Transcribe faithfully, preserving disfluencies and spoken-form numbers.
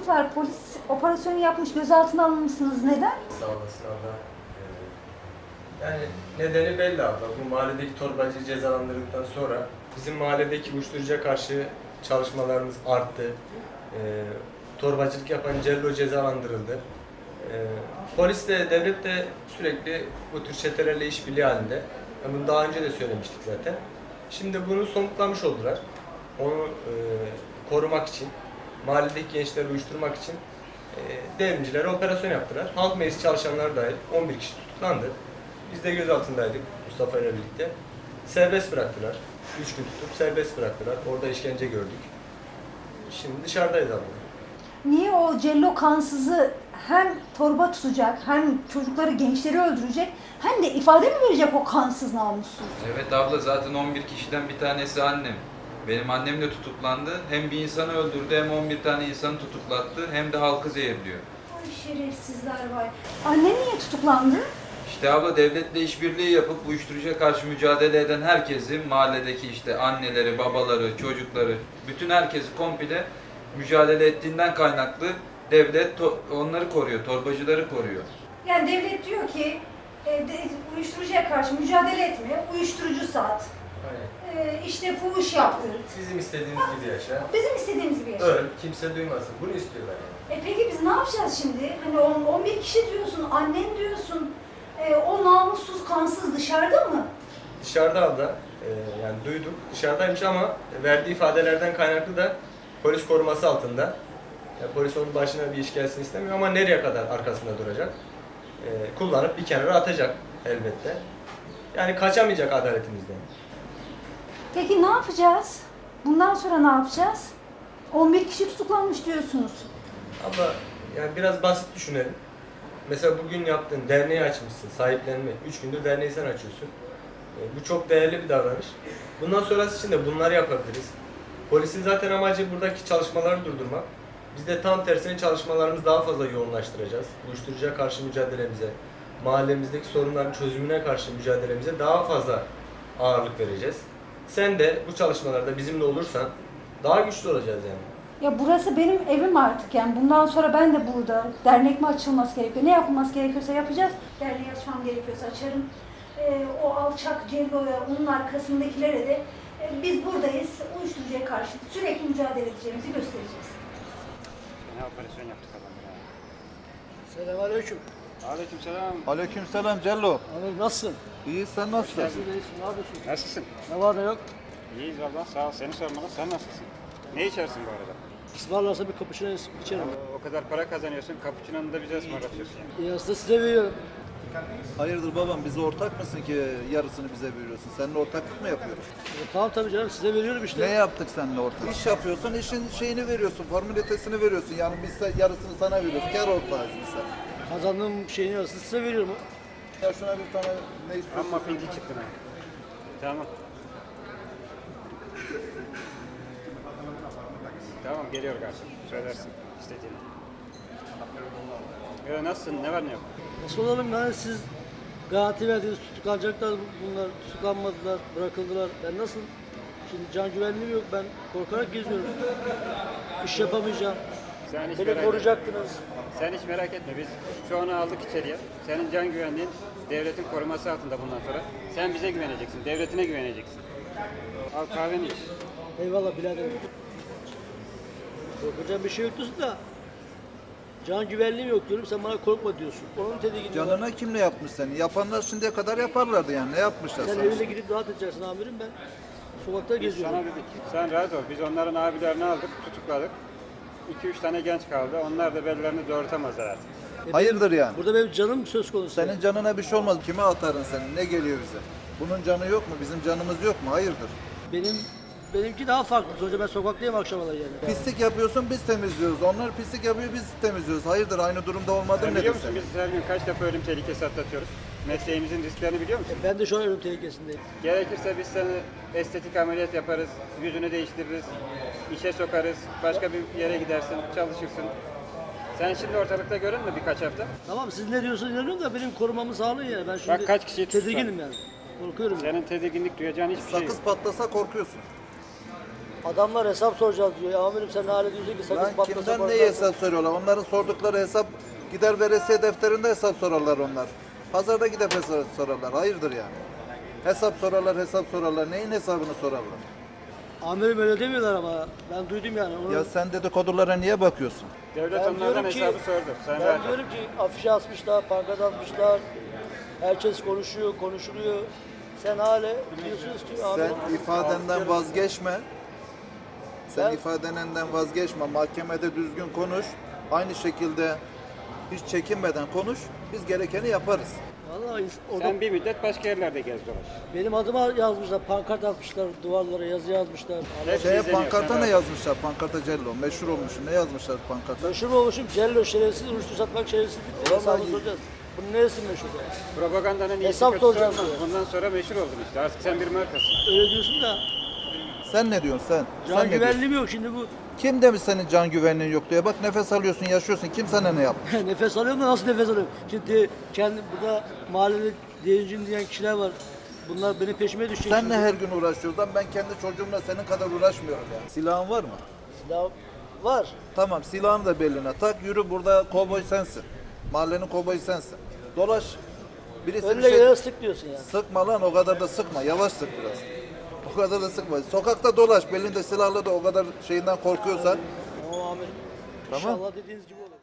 var. Polis operasyonu yapmış, gözaltına alınmışsınız. Neden? Sağ olasın abla. Ee, Yani nedeni belli abla. Bu mahalledeki torbacıyı cezalandırdıktan sonra bizim mahalledeki uyuşturucuya karşı çalışmalarımız arttı. Ee, torbacılık yapan Cello cezalandırıldı. Ee, polis de devlet de sürekli bu tür çetelerle işbirliği halinde. Yani bunu daha önce de söylemiştik zaten. Şimdi bunu somutlamış oldular. Onu e, korumak için, mahalledeki gençleri uyuşturmak için e, devrimcilere operasyon yaptılar. Halk meclisi çalışanları dahil on bir kişi tutuklandı. Biz de gözaltındaydık Mustafa ile birlikte. Serbest bıraktılar. üç gün tutup serbest bıraktılar. Orada işkence gördük. Şimdi dışarıdayız abla. Niye o Cello kansızı hem torba tutacak, hem çocukları, gençleri öldürecek, hem de ifade mi verecek o kansız namussuz? Evet abla, zaten on bir kişiden bir tanesi annem. Benim annem de tutuklandı. Hem bir insanı öldürdü, hem on bir tane insanı tutuklattı, hem de halkı zehirliyor. Ay şerefsizler var. Anne niye tutuklandı? İşte abla, devletle işbirliği yapıp uyuşturucuya karşı mücadele eden herkesi, mahalledeki işte anneleri, babaları, çocukları, bütün herkesi komple mücadele ettiğinden kaynaklı devlet onları koruyor, torbacıları koruyor. Yani devlet diyor ki e, de, uyuşturucuya karşı mücadele etme, uyuşturucu sat, Aynen. e, işte fuhuş yaptır. Bizim istediğimiz gibi yaşa. Bizim istediğimiz gibi yaşa. Öl, kimse duymasın. Bunu istiyorlar yani. E peki biz ne yapacağız şimdi? Hani on, on bir kişi diyorsun, annen diyorsun, e, o namussuz, kansız dışarıda mı? Dışarıda abla, e, yani duyduk, dışarıdaymış ama verdiği ifadelerden kaynaklı da polis koruması altında. Yani polis onun başına bir iş gelsin istemiyor ama nereye kadar arkasında duracak? E, kullanıp bir kenara atacak elbette. Yani kaçamayacak adaletimizden. Peki ne yapacağız? Bundan sonra ne yapacağız? on bir kişi tutuklanmış diyorsunuz. Abla, yani biraz basit düşünelim. Mesela bugün yaptığın derneği açmışsın, sahiplenme. Üç gündür derneği sen açıyorsun. E, bu çok değerli bir davranış. Bundan sonrası için de bunları yapabiliriz. Polisin zaten amacı buradaki çalışmaları durdurmak. Biz de tam tersine çalışmalarımızı daha fazla yoğunlaştıracağız. Uyuşturucuya karşı mücadelemize, mahallemizdeki sorunların çözümüne karşı mücadelemize daha fazla ağırlık vereceğiz. Sen de bu çalışmalarda bizimle olursan daha güçlü olacağız yani. Ya burası benim evim artık, yani bundan sonra ben de burada. Dernek mi açılması gerekiyor? Ne yapılması gerekiyorsa yapacağız. Derneği açmam gerekiyorsa açarım. Ee, o alçak Cello'ya, onun arkasındakilere de e, biz buradayız. Uyuşturucuya karşı sürekli mücadele edeceğimizi göstereceğiz. Ne operasyon yaptık adamlara. Selamünaleyküm. Aleykümselam. Aleykümselam Cello. Abi nasılsın? İyi, sen nasılsın? Nasılsın, iyisin, ne yapıyorsun? Nasılsın? Ne var ne yok? İyiyiz valla, sağ ol. Seni sormalı. Sen nasılsın? Ne içersin bu arada? İsmarlarsa bir kapışına içerim. O, o kadar para kazanıyorsun, cappuccino'nu da bize ısmarlatıyorsun yani. Ya aslında size veriyorum. Hayırdır babam, bize ortak mısın ki yarısını bize veriyorsun? Seninle ortaklık mı yapıyoruz? E, tamam tabii canım, size veriyorum işte. Ne yaptık seninle ortak? İş yapıyorsun, işin şeyini veriyorsun, formülitesini veriyorsun. Yani biz de yarısını sana veriyoruz, kar ortağıyız biz sen. Kazandığım şeyin yarısını size veriyorum. Ya şuna bir tane ne istiyorsun? Amma pinti çıktın ha. Tamam. Tamam, geliyor garson. Söylersin istediğini. Ya nasılsın, ne var ne yok? Nasıl olalım yani, siz garanti verdiniz, tutuklanacaklar bunlar, tutuklanmadılar, bırakıldılar. Ben nasıl? Şimdi can güvenliğim yok, ben korkarak geziyorum. İş yapamayacağım. Sen hiç Beni merak koruyacaktınız. Sen hiç merak etme, biz şu an aldık içeriye. Senin can güvenliğin devletin koruması altında bundan sonra. Sen bize güveneceksin, devletine güveneceksin. Al kahveni iç. Eyvallah biraderim. Korkacağım bir şey yok diyorsun da. Can güvenliğim yok diyorum, sen bana korkma diyorsun. Onun tedirginliği var. Canına kim ne yapmış seni? Yapanlar şimdiye kadar yaparlardı yani. Ne yapmışlar Sen sana? evine gidip rahat edeceksin amirim, ben sokakta Biz geziyorum. sana dedik, sen rahat ol. Biz onların abilerini aldık, tutukladık. iki üç tane genç kaldı. Onlar da bellerini doğrultamazlar artık. E, Hayırdır yani? Burada benim canım söz konusu. Senin canına bir şey olmaz. Kime atarın senin? Ne geliyor bize? Bunun canı yok mu? Bizim canımız yok mu? Hayırdır? Benim benimki daha farklı. Sonuçta ben sokaktayım akşamalar yani. Pislik yapıyorsun, biz temizliyoruz. Onlar pislik yapıyor, biz temizliyoruz. Hayırdır, aynı durumda olmadın Sen nedir biliyor musun senin? biz her gün kaç defa ölüm tehlikesi atlatıyoruz? Mesleğimizin risklerini biliyor musun? Ben de şu an ölüm tehlikesindeyim. Gerekirse biz seni estetik ameliyat yaparız, yüzünü değiştiririz, işe sokarız, başka bir yere gidersin, çalışırsın. Sen şimdi ortalıkta görünme birkaç hafta. Tamam, siz ne diyorsunuz inanıyorum da benim korumamı sağlayın yani. Ben şimdi Bak kaç kişiyi tedirginim yani. Korkuyorum yani. Senin tedirginlik duyacağın hiçbir şey yok. Sakız patlasa korkuyorsun. Adamlar hesap soracağız diyor. Ya amirim sen ne hale diyorsun ki sakız Lan patlasa kimden korkarsın. neyi hesap soruyorlar? Onların sordukları hesap gider veresiye defterinde hesap sorarlar onlar. Pazarda gidip hesap sorarlar. Hayırdır yani? Hesap sorarlar, hesap sorarlar. Neyin hesabını sorarlar? Amirim öyle demiyorlar ama ben duydum yani. Onu, Ya sen dedikodulara niye bakıyorsun? Devlet ben onlardan diyorum ki, hesabı sordu. Sen ben rahat ol. diyorum ki afişe asmışlar, pankart asmışlar. Herkes konuşuyor, konuşuluyor. Sen hale diyorsunuz ki amirim. Sen ifadenden vazgeçme. Sen Ben- ifadenden vazgeçme. Mahkemede düzgün konuş. Aynı şekilde hiç çekinmeden konuş. Biz gerekeni yaparız. Vallahi ins- orada Sen bir müddet başka yerlerde gez dolaş. benim adıma yazmışlar, pankart atmışlar, duvarlara yazı yazmışlar. Hepsi Şeye izleniyor, pankarta sen ne rahat ol. yazmışlar? Pankarta Cello. Meşhur olmuşsun. Ne yazmışlar pankarta? Meşhur olmuşum, cello şerefsiz, uyuşturucu satmak şerefsizlik diye Vallahi- hesabını soracağız. Bunun neresi meşhur ya? Propagandanın iyisi Hesap kötüsü soracağım olmaz. diyor. Bundan sonra meşhur oldun işte. Artık sen bir markasın. Öyle diyorsun da Sen ne diyorsun sen? can sen ne diyorsun? güvenliğim yok şimdi bu. Kim demiş senin can güvenliğin yok diye? Bak nefes alıyorsun, yaşıyorsun. Kim sana ne yapmış? Nefes alıyorum da nasıl nefes alıyorum? Şimdi kendi burada mahallede deyincim diyen kişiler var. Bunlar benim peşime düşecek. Senle şimdi. her gün uğraşıyoruz lan. Ben kendi çocuğumla senin kadar uğraşmıyorum ya. Silahın var mı? Silah var. Tamam, silahını da beline tak. Yürü, burada kovboy sensin. Mahallenin kovboyu sensin. Dolaş. Birisi bir Önüne şey... gelene sık diyorsun yani. Sıkma lan, o kadar da sıkma. Yavaş sık biraz. O kadar da sıkma. Sokakta dolaş. Belinde silahla da o kadar şeyinden korkuyorsan. Tamam amirim. Tamam. İnşallah dediğiniz gibi olur.